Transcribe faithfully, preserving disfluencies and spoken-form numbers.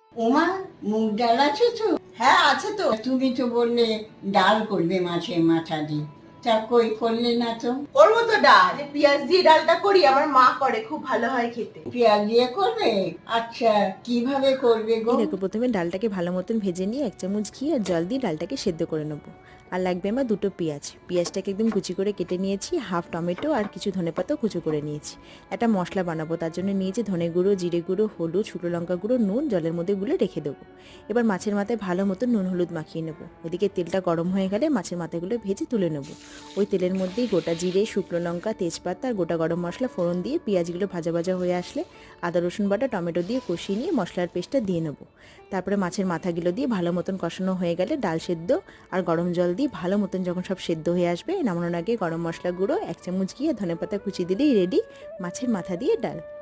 ওমা, মুগ ডাল আছে তো? হ্যাঁ আছে তো। তুমি তো বললে ডাল করবে মাছের মাথা দিয়ে, তা কই করলে না তো? করবো তো ডাল, যে পেঁয়াজ দিয়ে ডালটা করি, আমার মা করে, খুব ভালো হয় খেতে। পেঁয়াজ দিয়ে করবে? আচ্ছা, কিভাবে করবে গো? এই দেখো, প্রথমে ডালটাকে ভালো মতন ভেজে নিয়ে এক চামচ ঘি আর জল দিয়ে ডালটাকে সেদ্ধ করে নেবো। আর লাগবে আমার দুটো পেঁয়াজ, পেঁয়াজটাকে একদম কুচি করে কেটে নিয়েছি, হাফ টমেটো আর কিছু ধনেপাতাও কুচি করে নিয়েছি। একটা মশলা বানাবো, তার জন্য নিয়েছি ধনে গুঁড়ো, জিরে গুঁড়ো, হলুদ, শুকনো লঙ্কা গুঁড়ো, নুন, জলের মধ্যে গুলে রেখে দেবো। এবার মাছের মাথায় ভালো মতন নুন হলুদ মাখিয়ে নেবো। ওদিকে তেলটা গরম হয়ে গেলে মাছের মাথাগুলো ভেজে তুলে নেবো। ওই তেলের মধ্যেই গোটা জিরে, শুকনো লঙ্কা, তেজপাতা আর গোটা গরম মশলা ফোড়ন দিয়ে পেঁয়াজগুলো ভাজা ভাজা হয়ে আসলে আদা রসুন বাটা, টমেটো দিয়ে কষিয়ে নিয়ে মশলার পেস্টটা দিয়ে নেবো। তারপরে মাছের মাথাগুলো দিয়ে ভালো মতন কষানো হয়ে গেলে ডাল সেদ্ধ আর গরম জল দিয়ে ভালো মতন যখন সব সেদ্ধ হয়ে আসবে, নামানোর আগে গরম মশলা গুঁড়ো, এক চামচ ঘি আর ধনেপাতা কুচি দিলেই রেডি মাছের মাথা দিয়ে ডাল।